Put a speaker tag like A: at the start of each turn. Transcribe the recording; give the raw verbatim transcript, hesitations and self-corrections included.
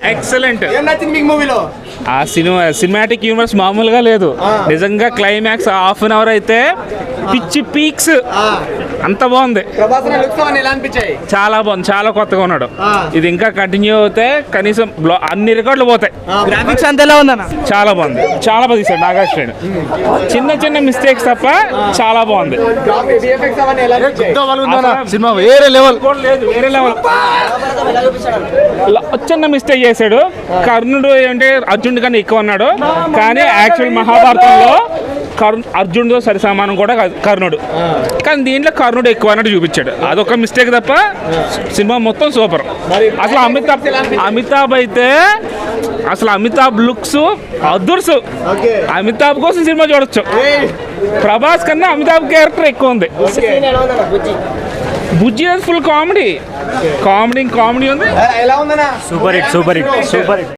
A: Excellent.
B: ఏం నచ్చింది మీకు మూవీలో?
A: ఆ సినిమా సినిమాటిక్ యూనివర్స్ మామూలుగా లేదు నిజంగా. క్లైమాక్స్ హాఫ్ అన్ అవర్ అయితే పిచ్చి పీక్స్ అంత బాగుంది.
B: ప్రభాస్ లుక్స్ అవన్నీ ఎలా అనిపించాయి?
A: చాలా బాగుంది, చాలా కొత్తగా ఉన్నాడు. ఇది ఇంకా కంటిన్యూ అవుతే కనీసం బ్లో- అన్ని రికార్డులు పోతాయి.
B: గ్రాఫిక్స్ అంత ఎలా ఉందన్న?
A: చాలా బాగుంది, చాలా బాగా తీసాడు నాగార్జున. చిన్న చిన్న మిస్టేక్స్ తప్ప చాలా బాగుంది.
B: విఎఫ్ఎక్స్ అవన్నీ ఎలా అనిపించాయి?
A: సినిమా వేరే లెవెల్ లేదు, వేరే లెవెల్. చిన్న మిస్టేక్ చేశాడు. కర్ణుడు ఏంటంటే అర్జునుడి కన్నా ఎక్కువ అన్నాడు, కానీ యాక్చువల్ మహాభారతంలో కర్ణ అర్జునుడితో సరి సమానం కూడా కాదు కర్ణుడు, కానీ దీంట్లో కర్ణుడు ఎక్కువ అన్నట్టు చూపించాడు. అదొక మిస్టేక్ తప్ప సినిమా మొత్తం సూపర్. అసలు అమితాబ్ అమితాబ్ అయితే అసలు అమితాబ్ లుక్స్ అదుర్సు. అమితాబ్ కోసం సినిమా చూడొచ్చు. ప్రభాస్ కన్నా అమితాబ్ క్యారెక్టర్ ఎక్కువ ఉంది. Bujji full comedy comedy comedy ఉంది.
B: ఎలా ఉందన్నా?
C: Super hit super hit super hit